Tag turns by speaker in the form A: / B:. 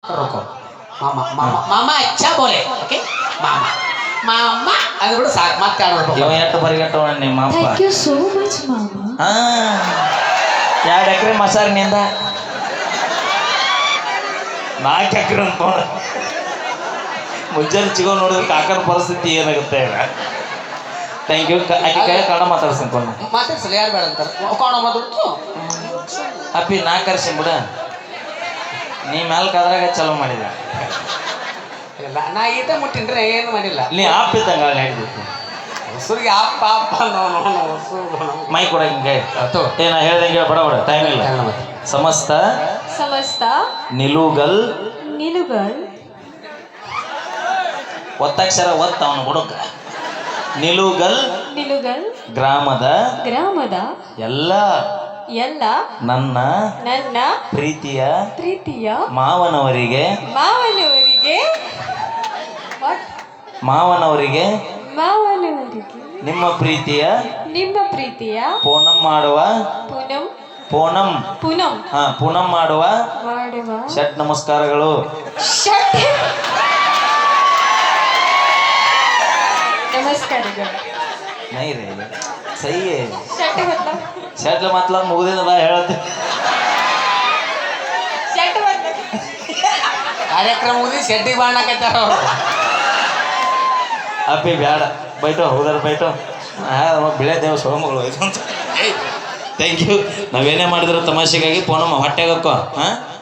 A: रुको मामा मामा मामा अच्छा बोले ओके मामा मामा ಅದು ಬಿಡು ಸಾಕು ಮತ್ತೆ ಆಡೋದು
B: ಇವ ಎಷ್ಟು ಪರಿಗಟ್ಟವ ನಿಮ್ಮ ಅಪ್ಪ
C: ಥ್ಯಾಂಕ್ ಯು ಸೋ ಮಚ್ ಮಾಮಾ.
B: ಹಾ 2 ಎಕರೆ ಮಸಾರಿನಿಂದ 4 ಎಕರೆ ಅಂತ ನೋಡ ಮುಂಜಾನೆ ಚಿಗೋ ನೋಡಿದ್ರೆ ಕಾಕನ ಪರಿಸ್ಥಿತಿ ಏನಾಗುತ್ತೆ ಥ್ಯಾಂಕ್ ಯು ಆಕೆ ಕೈ ಕನ್ನಡ ಮಾತಾಡ್ಸಂಕೊಂಡು
A: ಮಾತಾಡ್ಸಲ್ಲ ಯಾರು ಬೇಡ ಅಂತಾರೆ ಕನ್ನಡ ಮಾತಾಡ್ತು
B: ಅಪ್ಪಿ ನಾ ಕರ್ಸಿನ್ ಬಿಡ ನೀ ಮ್ಯಾಲ ಕಾದ್ರಾಗ ಚಲೋ ಮಾಡಿದ
A: ಇಲ್ಲ ನಾ ಈತ ಮುಟ್ಟಿನ್ರೆ ಏನು ಮಾಡಿಲ್ಲ
B: ನೀ ಆಪ್ ಇದ್ದಂಗ ಹೇಳಿದ್ದು
A: ಹೊಸರಿಗೆ ಅಪ್ಪ ಅಪ್ಪ ಹೊಸರು
B: ಮೈ ಕೊಡ ಹಿಂಗೆ
A: ಆತು
B: ಏನ ಹೇಳ್ದಂಗೆ ಬಡ ಬಡ ಟೈಮ್ ಇಲ್ಲ ಸಮಸ್ತ
C: ಸಮಸ್ತ
B: ನಿಲುಗಲ್
C: ನಿಲುಗಲ್
B: ಒತ್ತಕ್ಷರ ಒತ್ತ ಅವನು ಹುಡುಗ ನಿಲುಗಲ್
C: ನಿಲುಗಲ್
B: ಗ್ರಾಮದ ಎಲ್ಲ
C: ಎಲ್ಲ
B: ನನ್ನ
C: ನನ್ನ
B: ಪ್ರೀತಿಯ
C: ಮಾವನವರಿಗೆ
B: ಮಾವನವರಿಗೆ ನಿಮ್ಮ ಪ್ರೀತಿಯ ಪೂನಂ ಮಾಡುವ ಪೂನಂ ಮಾಡುವ ಷಟ್ ನಮಸ್ಕಾರಗಳು नहीं रे सही है शर्ट मतलब मुगदे बा ಹೇಳತ್ತೆ
A: ಕಾರ್ಯಕ್ರಮ ಮುಗಿದು ಶೆಡ್ಡಿಗೆ ಬಾಣಕತ್ತಾರ
B: ಅಪ್ಪಿ ಬ್ಯಾಡ ಬೈಟೋ ಹೋದಾರ ಬೈಟೋ ಬಿಳೆ ದೇವ ಸೋಮಗಳು ಥ್ಯಾಂಕ್ ಯು ನಾವೇನೇ ಮಾಡಿದ್ರು ತಮಾಷೆಗಾಗಿ ಪೋನಮ್ಮ ಹೊಟ್ಟೆಗಕ್ಕೋ ಹಾಂ